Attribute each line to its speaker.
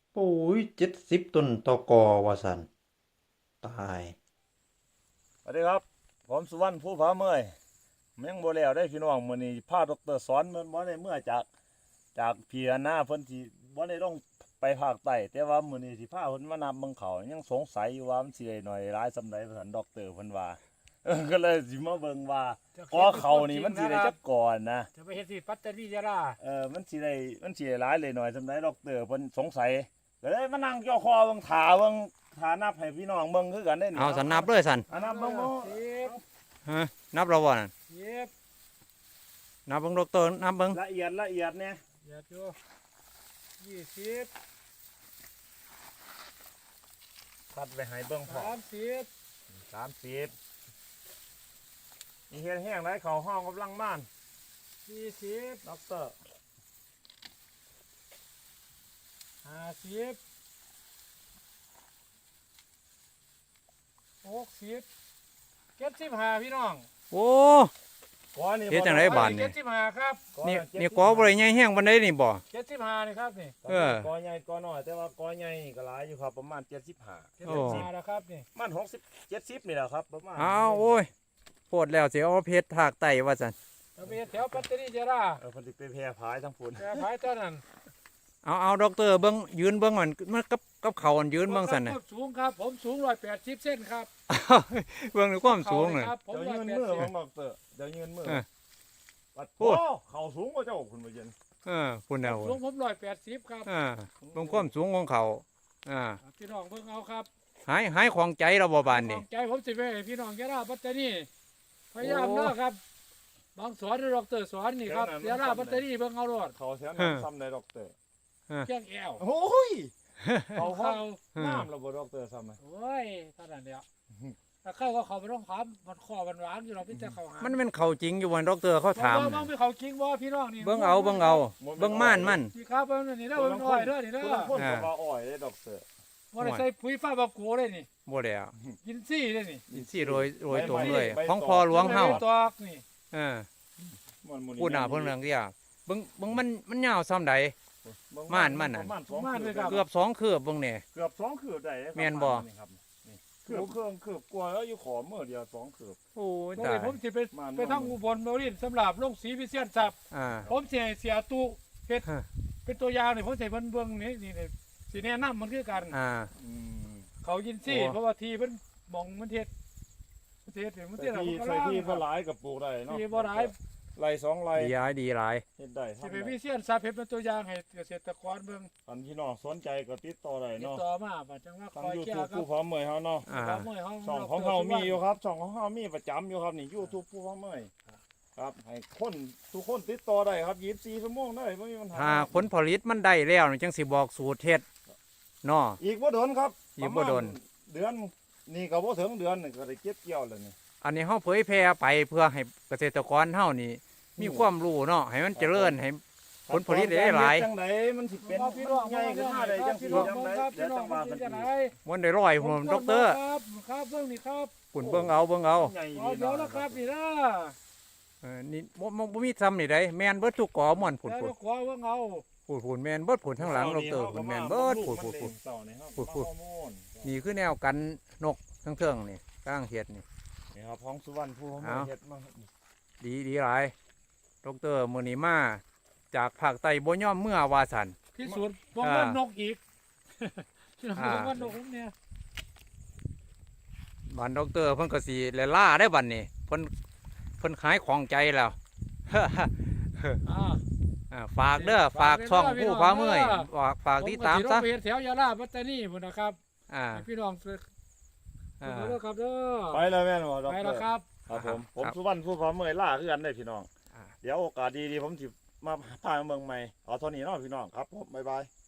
Speaker 1: ปุ๋ย70 ต้นต่อกอว่าสันตาย
Speaker 2: สวัสดีครับผมสุวรรณผู้ผาเมยแมงบ่แล้วได้พี่น้องมื้อนี้พาดรสอนมันบ่ได้เมื่อจากพี่หน้าเพิ่นสิบ่ได้ลงไปภาคใต้แต่ว่ามื้อนี้สิพาเพิ่นมานำเบิ่งเขายังสงสัยอยู่ว่ามันสิได้หน่อยหลายส่ำใดว่าซั่นดอกเตอร์เพิ่นว่าก็เลยสิมาเบิ่งว่ากอเขานี่มันสิได้จักก่อนนะ
Speaker 3: จะไปเฮ็ดที่ปัตตานียะลา
Speaker 2: มันสิได้หลายเลยหน่อยส่ำใดดอกเตอร์เพิ่นสงสัยก็เลยมานั่งย่อคอเบิ่งท่านับให้พี่น้องเบิ่งคือกันได้นี่
Speaker 1: เอาสันนับเลยสัน
Speaker 2: นับเบิ่งบ่
Speaker 3: 10
Speaker 1: ฮะนับเราบ่นั่น
Speaker 3: 10
Speaker 1: นับเบิ่งดอกเตอร์นับเบิ่ง
Speaker 2: ละเอียดเนี่ย
Speaker 3: อย่าดู20
Speaker 2: ตัดไปให้เบิ่งพอ
Speaker 3: 30
Speaker 2: 30นี่เฮ็ดแห้งได้เขาห้องกำลังม่าน
Speaker 3: 40
Speaker 2: ด็อกเตอร์
Speaker 3: 50 60 75พี่น้อง
Speaker 1: โอ้
Speaker 2: ก้อนนี่
Speaker 1: เฮ็ดจังไดบาด
Speaker 3: 75ครับ
Speaker 1: นี่กอบ่ได้ใหญ่แห้งปานใดนี่บ่
Speaker 3: 75นี่ครับนี่
Speaker 2: กอใหญ่กอน้อยแต่ว่ากอใหญ่นี่ก็หลายอยู่ครับประมาณ75
Speaker 3: 75นะครับนี่
Speaker 2: ประมัน60 70นี่แหละครับประมาณ
Speaker 1: เอาโอ้ยโพดแล้วสิเอาเพชรถากไตว่าสัน
Speaker 3: จะไปเฮ็ดแถวปัตตานียะลา
Speaker 2: เพิ่นสิไปแพร่พายทั้งพุ่น
Speaker 3: แต่ภายตอนนั้น
Speaker 1: เอาดอกเตอร์เบิ่งยืนเบิ่งมันกับเขาอันยืนเบิ่งสันน่ะ
Speaker 3: ผมสูงครับผมสูง180เซนครับ
Speaker 1: เบิ่งในความสูงน่ะ
Speaker 3: ครับผม
Speaker 2: เดี๋ยวยืนมือของด็อกเตอร์เดี๋ยวยืนมือ
Speaker 1: เออ
Speaker 2: ปัด
Speaker 1: โอ้
Speaker 2: โอ้เขาสูงกว่าเจ้าคุณบ่เย็น
Speaker 1: พุ่นเอา
Speaker 3: สูงผม180ครับ
Speaker 1: เบิ่งความสูงของเขา
Speaker 3: พี่น้องเบิ่งเอาครับ
Speaker 1: หายของใจเราบ่บานนี่
Speaker 3: ใจผมสิไปให้พี่น้องยะลาปัตตานีพยายามเด้อครับบางสอนดอกเตอร์สอนนี่ครับยะลาปัตตานีเบิ่งเอารอด
Speaker 2: เขาแถวนั้นซ้ำในด็อกเตอร์
Speaker 3: แข้งแอว
Speaker 2: โอ้ยเขาห้อ
Speaker 3: เขา
Speaker 2: งน้ำระบบด็อกเตอร์ซ้ำไหม
Speaker 3: โอ้ยเท่านั้นเดียวถ้าเข้าก็เขาไปต้องถามมันคอมันหวานอยู่เราพี่แต่เขาหา
Speaker 1: มันเป็นเขาจริงอยู่วันดอกเตอร์เขาถาม
Speaker 3: บ้างไปเขาจริงบ่พี่น้องนี่
Speaker 1: เบิ่งเอาเบิ่งม่านมัน
Speaker 3: นี่ครับเบิ่งนี่เด้อเบิ่งอ้อยเด้อนี่เด้อ
Speaker 2: คนก็ว่าอ้อยเลยด็อกเตอร์
Speaker 3: บ่ได้ใส่ปุ๋ยฟ้าบาโกเลยนี่
Speaker 1: บ่แล้ว
Speaker 3: กินซี่เลยนี่
Speaker 1: อินซี่โรยตรงเลยของพอหลวงเฮา
Speaker 3: ตอกนี่
Speaker 1: เออ
Speaker 2: มัน
Speaker 1: พูดหน้าเพิ่นเรื่องเดียวเบิ่งมันยาวซ้ำใด ม่านมันน่ะ
Speaker 2: ประมาณสองคืบ
Speaker 1: เกือบ2คืบเบิ่งนี่
Speaker 2: เกือบ2คืบได้ครับ
Speaker 1: แม่นบ่
Speaker 2: นี่ครับนี่คืบกว่าแล้วอยู่ขอเมื่อเดียว2คืบ
Speaker 1: โอ้ย
Speaker 3: บ่
Speaker 1: ตา
Speaker 3: ได้
Speaker 1: ย
Speaker 3: ผมสิไปทางอุบลบ่รินสำหรับลงสีพิเศษทรัพย์
Speaker 1: อ่า
Speaker 3: ผมสิให้เสียตู้เฮ็ด
Speaker 1: ฮะ
Speaker 3: เป็นตัวอย่างนี่ผมสิให้เพิ่นเบิ่งนี่สิแนะนำมันคือกัน
Speaker 1: อ่า
Speaker 2: อืม
Speaker 3: เขายินซี่
Speaker 1: โอ้
Speaker 3: เพราะว่าทีเพิ่นมองมันเฮ็ดมันเฮ็ดมัน
Speaker 2: ใส่
Speaker 3: เฮ็ด
Speaker 2: ที่ใส่ที่ก็หลายกับปลูกได้เนาะ
Speaker 3: ที่บ่หลาย
Speaker 2: ไร่2ไร่
Speaker 1: ดีหลาย
Speaker 2: เฮ็ดได้
Speaker 3: สิ
Speaker 2: ทำ
Speaker 3: ไป
Speaker 2: ได้
Speaker 3: พิเศษทรัพย์เฮ็ดเป็นตัวอย่างให้เกษตรกรเบิ่ง
Speaker 2: อันพี่น้องสนใจก็ติดต่อได้
Speaker 3: ติด
Speaker 2: เนาะ
Speaker 3: ต่อมาว่าจังว่าค
Speaker 2: ทาง
Speaker 3: อยแก้
Speaker 2: YouTube
Speaker 3: ครั
Speaker 2: ผู้
Speaker 3: บ
Speaker 2: พร้อมเมยเฮาเนาะ
Speaker 1: อ่า
Speaker 2: ช่องของเฮามีอยู่ครับช่องของเฮามีประจำอยู่ครับนี่ YouTube ผู้พร้อมเมยครับให้คนทุกคนติดต่อได้ครับ24ชั่วโมงได้บ่มีปัญหา
Speaker 1: ถ้าผลผลิตมันได้แล้วนี่จังสิบอกสูตรเฮ็ดเนาะ
Speaker 2: อีกบ่โดนครับ
Speaker 1: อีกบ่โดน
Speaker 2: ประมาณเดือนนี่ก็บ่ถึงเดือนนี่ก็ได้เก็บเกี่ยวแล้วนี่
Speaker 1: อันนี้เฮาเผยแพร่ไปเพื่อให้เกษตรกรเฮานี่มีความรู้เนาะให้มันเจริญให้ ผลผลิตได้หลาย
Speaker 2: จังไดมันสิเป็นใหญ่ขึ้นมาได้จังสิจังไดเดี๋ยวจังว่ากันอีก
Speaker 1: มันได้ร้อยหัวดอกเตอร์
Speaker 3: ครับเบิ่งนี่ครับ
Speaker 1: ปุ่นเบิ่งเอา
Speaker 2: ใหญ่
Speaker 3: เอาเดี๋ยวแล้วครับนี่นะ
Speaker 1: นี่บ่มีซ้ำนี่ได้แม่นเบิดทุกกอม่วนผุ
Speaker 3: แล้ว
Speaker 1: ด
Speaker 3: ขวาเบิ่งเอา
Speaker 1: ผุดแม่นเบิดผุดทั้งหลังดอกเตอร์ผุดแม่นเบิดผุด
Speaker 2: พูด
Speaker 1: นี่คือแนวกันนกทั้งเทิงนี่กลางเฮ็ดนี่
Speaker 2: นี่ครับของสุวรรณผู้เขามาเฮ็ดมา
Speaker 1: ดีหลายดอกเตอร์มื้อนี้มาจากภาคใต้บ่ยอมเมื่อว่าซั่น
Speaker 3: พิสูจน์ป้องกันนกอีกที่เราป้องกันนกเนี่ย
Speaker 1: บันดอกเตอร์เพิ่นก็สิแลล่าได้บัดนี้เพิ่นขายของใจแล้ว ฝากเด้อฝากช่องผู้พาเมื่อยฝากติดตามซะ
Speaker 3: ผมก็สิลงไปเฮ็ดแถวยาลาปัตตานีพุ่นนะครับ
Speaker 1: อ่า
Speaker 3: ให้พี่น้องเด้อครับเด้อ
Speaker 2: ไปแล้วแม่นบ่ดอก
Speaker 3: ไป
Speaker 2: เตอ
Speaker 3: แล้ว
Speaker 2: ร์
Speaker 3: ครับ
Speaker 2: ครับผม
Speaker 1: ครับ
Speaker 2: สุวรรณผู้พร้อมเมื่อยล่าคือกันได้พี่น้อง
Speaker 1: อ่า
Speaker 2: เดี๋ยวโอกาสดีๆผมสิมาพาเมืองใหม่เอาเท่านี้เนาะพี่น้องครับผมบ๊ายบาย